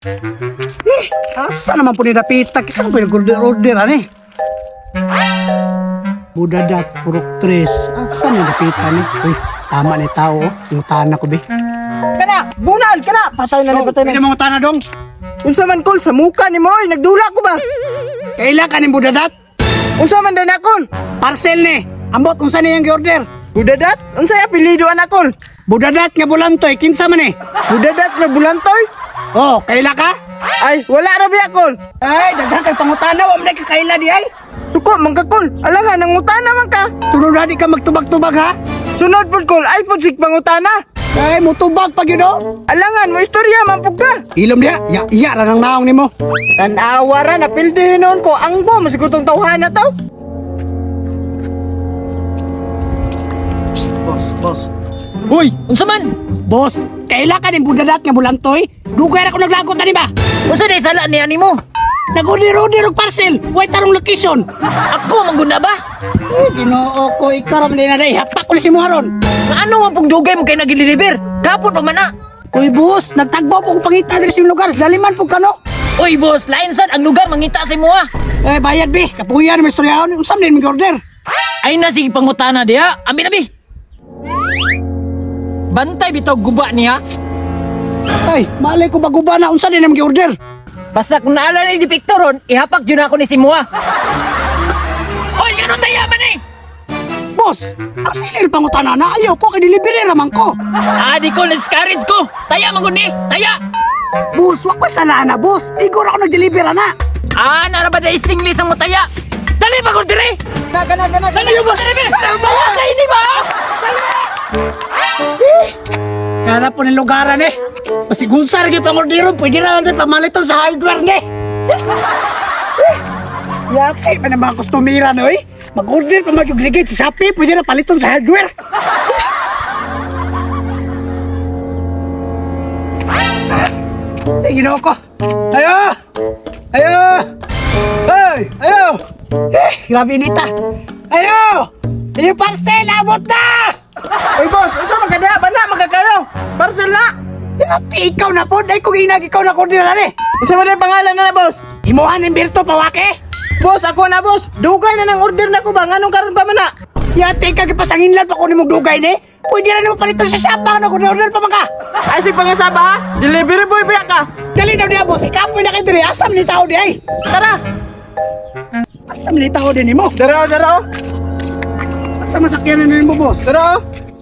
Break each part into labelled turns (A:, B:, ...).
A: Asa naman po ni Napita? Kisa ko pinag-order ani? Budadat, purok tres. Asa ni Napita ni? Uy, tama ni tao. Ingutana ko, be.
B: Kana, bunal, kana. Patay na, patay na.
A: Pwede mo utana dong.
B: Unsa man kol sa muka ni mo, nagdula ko ba?
A: Kaila ka ni Budadat?
B: Unsa man dan akol?
A: Parcel ni. Ambot kung saan niyang gi-order.
B: Budadat? Unsa ya apelyido anakol?
A: Budadat nga bulantoy, kinsa man eh.
B: Budadat na bulantoy?
A: Oh, kaila ka?
B: Ay, wala ra biya kol.
A: Ay, daghan kay pangutana, wa man ka kaila di ay.
B: Suko man ka kol. Alangan nangutana man ka.
A: Sunod na di ka magtubag-tubag ha?
B: Sunod pud kol, ay pud sig pangutana.
A: Ay, mutubag pag yun oh.
B: Alangan mo istorya man pud ka.
A: Ilom diya, iya ra nang naong nimo.
B: Tanawa ra na pildihin noon ko ang bo masigutong tawhana to.
A: Boss.
C: Uy, unsa man?
A: Boss, kaila ka ni Budadat nga bulantoy? Dugay ra ko naglagot ani ba?
C: Unsa day sala ni animo?
A: Nag-order og parcel, way tarong location.
C: Ako mangguna ba?
A: Ginoo ko ikaram din na day, hapak ko ni si Muharon.
C: Ano man pug dugay mo kay nagideliver? Gapon pa man na.
A: Uy boss, nagtagbaw po ko pangita diri sa lugar, daliman po kano.
C: Uy boss, lain sad ang lugar mangita sa imo ha.
A: Eh bayad bi, kapuyan mo istoryahon, unsam din mag-order?
C: Ay na sige pangutana diha. Ambi na bi. Bantay bitaw guba niya.
A: Ay, malay ko baguba na unsa din mag-order?
C: Basta kung naalala ni di Victoron, ihapak jud ako ni Simua. Oy, ano taya man eh?
A: Boss, ang silir pangutana na ayaw ko kay delivery raman ko.
C: Di ko na-discourage ko. Taya man gud ni. Taya.
A: Boss, wa ko sana na boss. Igor ako nag-deliver na.
C: Naraba da stingless ang mutaya. Dali ba ko dire?
B: Kana.
C: Dali yung boss dire. Taya na ini ba?
A: Kana po ng lugaran eh. Masigunsar gyud pang-orderon, pwede na natin pamaliton sa hardware ni. Yaki pa ng mga kustumira no eh. Mag-order pa mag-gligate sa Shopee, pwede na paliton sa hardware. Ay, ginawa ko. Ayo! Ayo! Grabe nita. Ayo! Yung parcel, abot na!
B: Uy boss, unsa man kada ba na magkakayo? Parcel na.
A: Yati, ikaw na po. Dahil kung inag ikaw na order na eh.
B: Unsa man ang pangalan na boss?
A: Imuhan ng Berto Pawake.
B: Boss, ako na boss. Dugay na nang order na ko ba? Nganong karon pa man na?
A: Yati, kagipasanginlan pa ko ni mong dugay ni. Pwede na naman paliton sa shop na kung order pa man ka.
B: Ay sig pangasaba ha? Delivery boy ba ka?
A: Dali daw niya, boss. Ikapoy na kayo diri. Asam ni tao di ay.
B: Tara.
A: Asam ni tao din mo.
B: Dara.
A: Asam masakyan na mo, boss.
B: Dara.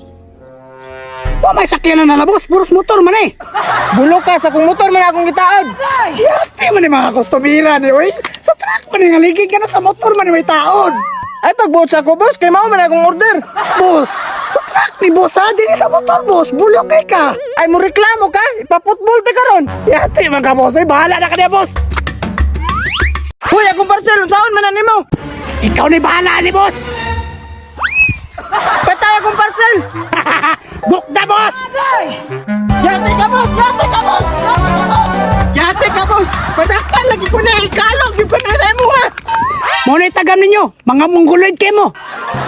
A: Wa may sakyan na boss. Puros motor man eh.
B: Bulok ka sa kung motor man akong gitaod.
A: Yati man ni mga kustumira ni, oy. Sa truck man ni ngaligig ka na sa motor man ni may taon.
B: Ay pagbuot sa ko boss, kay mao man akong order.
A: Boss, sa truck ni boss ha. Dili sa motor, boss. Bulok kay ka.
B: Ay mo reklamo ka? Ipaputbol te karon.
A: Yati man ka, boss. Ay, bahala na ka niya, boss.
B: Hoy, akong parcel unsaon man nimo?
A: Ikaw ni bahala ni boss.
B: Patay akong parcel.
A: Book na, boss.
B: Yate ka boss. Yate ka boss. Padakan lagi ko na ikalog, di pa na sa imo ha.
A: Muna itagam ninyo, mga mongoloid kayo mo.